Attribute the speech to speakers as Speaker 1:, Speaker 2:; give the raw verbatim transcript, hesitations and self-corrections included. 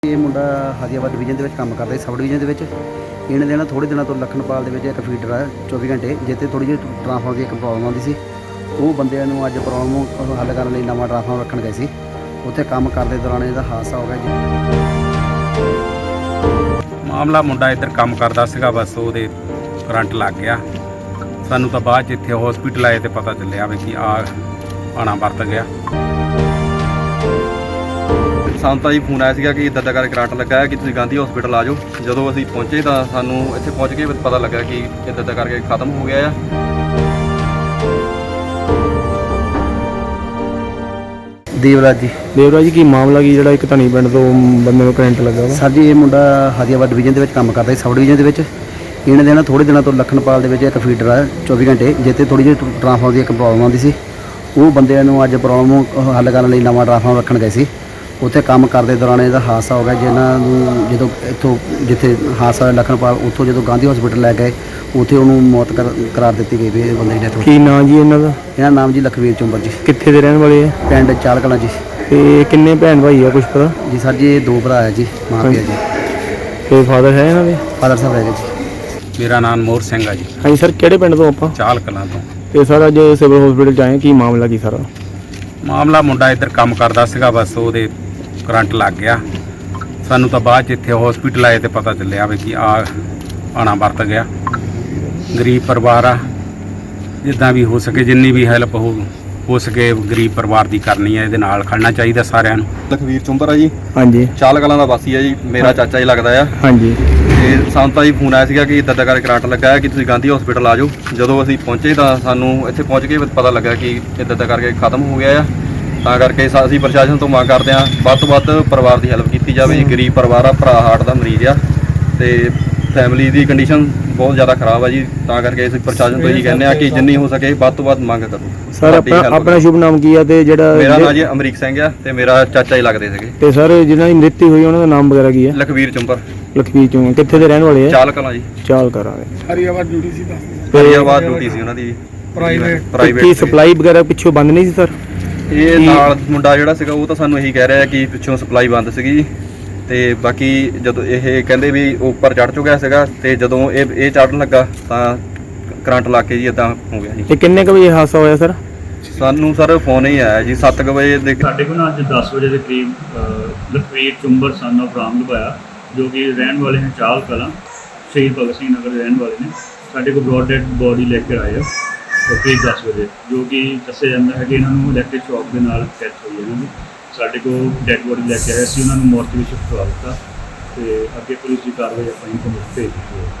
Speaker 1: ਇਹ ਮੁੰਡਾ ਹਾਦੀਆਬਾਦ ਡਿਵੀਜ਼ਨ ਦੇ ਵਿੱਚ ਕੰਮ ਕਰਦਾ ਸੀ, ਸਬ ਡਿਵੀਜ਼ਨ ਦੇ ਵਿੱਚ। ਇਹਨੇ ਦੇ ਨਾ ਥੋੜ੍ਹੇ ਦਿਨਾਂ ਤੋਂ ਲਖਨਪਾਲ ਦੇ ਵਿੱਚ ਇੱਕ ਫੀਡਰ ਹੈ ਚੌਵੀ ਘੰਟੇ, ਜਿੱਥੇ ਥੋੜ੍ਹੀ ਜਿਹੀ ਟਰਾਂਸਫਾਰਮਰ ਦੀ ਇੱਕ ਪ੍ਰੋਬਲਮ ਆਉਂਦੀ ਸੀ। ਉਹ ਬੰਦਿਆਂ ਨੂੰ ਅੱਜ ਪ੍ਰੋਬਲਮ ਹੱਲ ਕਰਨ ਲਈ ਨਵਾਂ ਟਰਾਂਸਫਾਰਮਰ ਰੱਖਣ ਗਏ ਸੀ। ਉੱਥੇ ਕੰਮ ਕਰਦੇ ਦੌਰਾਨ ਇਹਦਾ ਹਾਦਸਾ ਹੋ ਗਿਆ ਜੀ।
Speaker 2: ਮਾਮਲਾ ਮੁੰਡਾ ਇੱਧਰ ਕੰਮ ਕਰਦਾ ਸੀਗਾ, ਬਸ ਉਹਦੇ ਕਰੰਟ ਲੱਗ ਗਿਆ। ਸਾਨੂੰ ਤਾਂ ਬਾਅਦ 'ਚ ਇੱਥੇ ਹਸਪੀਟਲ ਆਏ ਤੇ ਪਤਾ ਚੱਲਿਆ ਵੀ ਕਿ ਆ ਆਣਾ ਵਰਤ ਗਿਆ।
Speaker 3: ਸਾਨੂੰ ਤਾਂ ਜੀ ਫੋਨ ਆਇਆ ਸੀਗਾ ਕਿ ਇੱਦਾਂ ਦਾ ਕਰਕੇ ਕਰੰਟ ਲੱਗਾ ਹੈ ਕਿ ਤੁਸੀਂ ਗਾਂਧੀ ਹਸਪੀਟਲ ਆ ਜਾਓ। ਜਦੋਂ ਅਸੀਂ ਪਹੁੰਚੇ ਤਾਂ ਸਾਨੂੰ ਇੱਥੇ ਪਹੁੰਚ ਕੇ ਪਤਾ ਲੱਗਾ ਕਿ ਇੱਦਾਂ ਦਾ ਕਰਕੇ ਖਤਮ ਹੋ ਗਿਆ ਆ।
Speaker 1: ਦੇਵਰਾਜ ਜੀ
Speaker 4: ਦੇਵਰਾਜ ਜੀ ਕੀ ਮਾਮਲਾ ਕੀ ਜਿਹੜਾ ਇੱਕ ਧਨੀ ਪਿੰਡ ਤੋਂ ਬੰਦੇ ਨੂੰ ਕਰੰਟ ਲੱਗਾ ਵਾ?
Speaker 1: ਸਰ ਜੀ ਇਹ ਮੁੰਡਾ ਹਾਦੀਆਬਾਦ ਡਿਵੀਜ਼ਨ ਦੇ ਵਿੱਚ ਕੰਮ ਕਰਦਾ ਸੀ, ਸਬ ਡਿਵੀਜ਼ਨ ਦੇ ਵਿੱਚ। ਇਹਨੇ ਦੇ ਨਾ ਥੋੜ੍ਹੇ ਦਿਨਾਂ ਤੋਂ ਲਖਨਪਾਲ ਦੇ ਵਿੱਚ ਇੱਕ ਫੀਡਰ ਹੈ ਚੌਵੀ ਘੰਟੇ, ਜਿੱਥੇ ਥੋੜ੍ਹੀ ਜਿਹੀ ਟਰਾਂਸਫਾਰਮਰ ਦੀ ਇੱਕ ਪ੍ਰੋਬਲਮ ਆਉਂਦੀ ਸੀ। ਉਹ ਬੰਦਿਆਂ ਨੂੰ ਅੱਜ ਪ੍ਰੋਬਲਮ ਹੱਲ ਕਰਨ ਲਈ ਨਵਾਂ ਟਰਾਂਸਫਾਰਮਰ ਰੱਖਣ ਗਏ ਸੀ। ਉੱਥੇ ਕੰਮ ਕਰਦੇ ਦੌਰਾਨ ਇਹਦਾ ਹਾਦਸਾ ਹੋ ਗਿਆ। ਜਿਹਨਾਂ ਨੂੰ ਜਦੋਂ ਇੱਥੋਂ ਜਿੱਥੇ ਹਾਦਸਾ ਹੋਇਆ ਲਖਨਪਾਲ, ਉੱਥੋਂ ਜਦੋਂ ਗਾਂਧੀ ਹਸਪੀਟਲ ਲੈ ਗਏ, ਉੱਥੇ ਉਹਨੂੰ ਮੌਤ ਕਰ ਕਰਾਰ ਦਿੱਤੀ ਗਈ ਵੀ ਇਹ ਬੰਦੇ ਦੀ ਡੈਥ ਹੋ ਗਈ।
Speaker 4: ਕੀ ਨਾਂ ਜੀ ਇਹਨਾਂ ਦਾ?
Speaker 1: ਇਹਨਾਂ ਦਾ ਨਾਮ ਜੀ ਲਖਵੀਰ ਚੁੰਬਰ ਜੀ,
Speaker 4: ਕਿੱਥੇ ਦੇ ਰਹਿਣ ਵਾਲੇ ਆ?
Speaker 1: ਪਿੰਡ ਚਾਲ ਕਲਾਂ ਜੀ।
Speaker 4: ਤੇ ਕਿੰਨੇ ਭੈਣ ਭਾਈ ਆ, ਕੁਛ ਪਤਾ
Speaker 1: ਜੀ ਸਰ ਜੀ ਇਹ ਦੋ ਭਰਾ ਹੈ ਜੀ, ਮਾਂ ਪਿਓ ਜੀ।
Speaker 4: ਤੇ ਫਾਦਰ ਹੈ ਇਹਨਾਂ ਦੇ?
Speaker 1: ਫਾਦਰ ਸਾਹਿਬ ਹੈਗੇ ਜੀ।
Speaker 2: ਮੇਰਾ ਨਾਮ ਮੋਹਰ ਸਿੰਘ ਆ ਜੀ,
Speaker 4: ਹਾਂਜੀ ਸਰ, ਕਿਹੜੇ ਪਿੰਡ ਤੋਂ ਆਪਾਂ?
Speaker 2: ਚਾਲ ਕਲਾਂ ਤੋਂ।
Speaker 4: ਤੇ ਸਰ ਅੱਜ ਸਿਵਲ ਹਸਪੀਟਲ 'ਚ ਆਏ, ਕੀ ਮਾਮਲਾ ਕੀ ਸਾਰਾ?
Speaker 2: ਮਾਮਲਾ ਮੁੰਡਾ ਇੱਧਰ ਕੰਮ ਕਰਦਾ ਸੀਗਾ, ਬਸ ਉਹਦੇ ਕਰੰਟ ਲੱਗ ਗਿਆ। ਸਾਨੂੰ ਤਾਂ ਬਾਅਦ 'ਚ ਇੱਥੇ ਹਸਪੀਟਲ ਆਏ ਤੇ ਪਤਾ ਚੱਲਿਆ ਵੀ ਕਿ ਆ ਆਣਾ ਵਰਤ ਗਿਆ। ਗਰੀਬ ਪਰਿਵਾਰ ਆ, ਜਿੱਦਾਂ ਵੀ ਹੋ ਸਕੇ ਜਿੰਨੀ ਵੀ ਹੈਲਪ ਹੋ ਹੋ ਸਕੇ ਗਰੀਬ ਪਰਿਵਾਰ ਦੀ ਕਰਨੀ ਹੈ। ਇਹਦੇ ਨਾਲ ਖੜਨਾ ਚਾਹੀਦਾ ਸਾਰਿਆਂ ਨੂੰ।
Speaker 3: ਲਖਵੀਰ ਚੁੰਬਰ ਆ ਜੀ,
Speaker 4: ਹਾਂਜੀ।
Speaker 3: ਚਾਲ ਕਲਾਂ ਦਾ ਵਾਸੀ ਆ ਜੀ, ਮੇਰਾ ਚਾਚਾ ਹੀ ਲੱਗਦਾ ਆ।
Speaker 4: ਹਾਂਜੀ।
Speaker 3: ਤੇ ਸਾਨੂੰ ਤਾਂ ਜੀ ਫੋਨ ਆਇਆ ਸੀਗਾ ਕਿ ਇੱਦਾਂ ਦਾ ਕਰਕੇ ਕਰੰਟ ਲੱਗਾ ਹੈ ਕਿ ਤੁਸੀਂ ਗਾਂਧੀ ਹਸਪੀਟਲ ਆ ਜਾਓ। ਜਦੋਂ ਅਸੀਂ ਪਹੁੰਚੇ ਤਾਂ ਸਾਨੂੰ ਇੱਥੇ ਪਹੁੰਚ ਕੇ ਪਤਾ ਲੱਗਾ ਕਿ ਇੱਦਾਂ ਦਾ ਕਰਕੇ ਖਤਮ ਹੋ ਗਿਆ ਆ। ਤਾਂ ਕਰਕੇ ਅਸੀਂ ਪ੍ਰਸ਼ਾਸਨ ਤੋਂ ਮੰਗ ਕਰਦੇ ਹਾਂ ਵੱਧ ਤੋਂ ਵੱਧ ਪਰਿਵਾਰ ਦੀ ਹੈਲਪ ਕੀਤੀ ਜਾਵੇ ਜੀ। ਗਰੀਬ ਪਰਿਵਾਰ ਆ, ਭਰਾ ਹਾਰਟ ਦਾ ਮਰੀਜ਼ ਆ ਤੇ ਫੈਮਿਲੀ ਦੀ ਕੰਡੀਸ਼ਨ ਬਹੁਤ ਜ਼ਿਆਦਾ ਖਰਾਬ ਆ ਜੀ। ਤਾਂ ਕਰਕੇ ਅਸੀਂ ਪ੍ਰਸ਼ਾਸਨ ਤੋਂ ਇਹੀ ਕਹਿੰਦੇ ਆ ਕਿ ਜਿੰਨੀ ਹੋ ਸਕੇ ਵੱਧ ਤੋਂ ਵੱਧ ਮੰਗ ਕਰੋ।
Speaker 4: ਸਰ ਆਪਣਾ ਆਪਣਾ ਸ਼ੁਭ ਨਾਮ ਕੀ ਆ? ਤੇ ਜਿਹੜਾ
Speaker 3: ਮੇਰਾ ਨਾਂ ਜੀ ਅਮਰੀਕ ਸਿੰਘ ਆ ਤੇ ਮੇਰਾ ਚਾਚਾ ਹੀ ਲੱਗਦੇ ਸੀਗੇ।
Speaker 4: ਤੇ ਸਰ ਜਿਹਨਾਂ ਦੀ ਮ੍ਰਿਤੂ ਹੋਈ ਉਹਨਾਂ ਦਾ ਨਾਮ ਵਗੈਰਾ ਕੀ ਆ?
Speaker 3: ਲਖਵੀਰ ਚੁੰਬਰ,
Speaker 4: ਲਖਵੀਰ ਚੋਂ। ਕਿੱਥੇ ਦੇ ਰਹਿਣ ਵਾਲੇ ਆ?
Speaker 3: ਚਾਲ ਕਲਾਂ ਜੀ।
Speaker 4: ਚਾਲ ਕਰਾਂਗੇ।
Speaker 5: ਹਰੀਆਬਾਦ ਡਿਊਟੀ ਸੀ ਤਾਂ
Speaker 3: ਹਰੀਆਬਾਦ ਡਿਊਟੀ ਸੀ ਉਹਨਾਂ ਦੀ
Speaker 5: ਪ੍ਰਾਈਵੇਟ
Speaker 3: ਪ੍ਰਾਈਵੇਟ।
Speaker 4: ਕੀ ਸਪਲਾਈ ਵਗੈਰਾ ਪਿੱਛੋਂ ਬੰਦ ਨਹੀਂ ਸੀ ਸਰ?
Speaker 3: ਇਹ ਨਾਲ ਮੁੰਡਾ ਜਿਹੜਾ ਸੀਗਾ ਉਹ ਤਾਂ ਸਾਨੂੰ ਇਹੀ ਕਹਿ ਰਿਹਾ ਕਿ ਪਿੱਛੋਂ ਸਪਲਾਈ ਬੰਦ ਸੀਗੀ ਜੀ। ਤੇ ਬਾਕੀ ਜਦੋਂ ਇਹ ਕਹਿੰਦੇ ਵੀ ਉੱਪਰ ਚੜ੍ਹ ਚੁੱਕਿਆ ਸੀਗਾ ਤੇ ਜਦੋਂ ਇਹ ਇਹ ਚੜ੍ਹਨ ਲੱਗਾ ਤਾਂ ਕਰੰਟ ਲੱਗ ਕੇ ਜੀ ਇਦਾਂ ਹੋ ਗਿਆ ਜੀ।
Speaker 4: ਤੇ ਕਿੰਨੇ ਕੁ ਵਜੇ ਹਾਦਸਾ ਹੋਇਆ ਸਰ?
Speaker 3: ਸਾਨੂੰ ਸਰ ਫੋਨ ਹੀ ਆਇਆ ਜੀ ਸੱਤ ਕੁ ਵਜੇ ਦੇ।
Speaker 6: ਸਾਡੇ ਕੋਲ ਨਾ ਅੱਜ ਦਸ ਵਜੇ ਦੇ ਕਰੀਬ ਲਖਵੀਰ ਚੁੰਬਰ ਸਨ ਆਫ ਰਾਮ ਲਵਾਇਆ, ਜੋ ਕਿ ਰਹਿਣ ਵਾਲੇ ਨੇ ਚਾਲ ਕਲਾਂ, ਸ਼ਹੀਦ ਭਗਤ ਸਿੰਘ ਨਗਰ ਦੇ ਰਹਿਣ ਵਾਲੇ ਨੇ। ਸਾਡੇ ਕੋਲ ਬ੍ਰੌਡ ਡੈਡ ਬੋਡੀ ਲੈ ਕੇ ਆਏ ਆ ਕਰੀਬ ਦਸ ਵਜੇ, ਜੋ ਕਿ ਦੱਸਿਆ ਜਾਂਦਾ ਹੈ ਕਿ ਇਹਨਾਂ ਨੂੰ ਇਲੈਕਟ੍ਰਿਕ ਸ਼ੌਕ ਦੇ ਨਾਲ ਡੈਥ ਹੋਈ ਹੈ ਇਹਨਾਂ ਦੀ। ਸਾਡੇ ਕੋਲ ਡੈਡ ਬੋਡੀ ਲੈ ਕੇ ਆਏ, ਅਸੀਂ ਉਹਨਾਂ ਨੂੰ ਮੋਰਚਰੀ ਵਿੱਚ ਸ਼ਿਫਟ ਕਰਵਾ ਦਿੱਤਾ ਤੇ ਅੱਗੇ ਪੁਲਿਸ ਦੀ ਕਾਰਵਾਈ ਆਪਾਂ ਇਨਫੋਰਮੇਸ਼ਨ ਭੇਜ ਦਿੱਤੀ ਹੈ।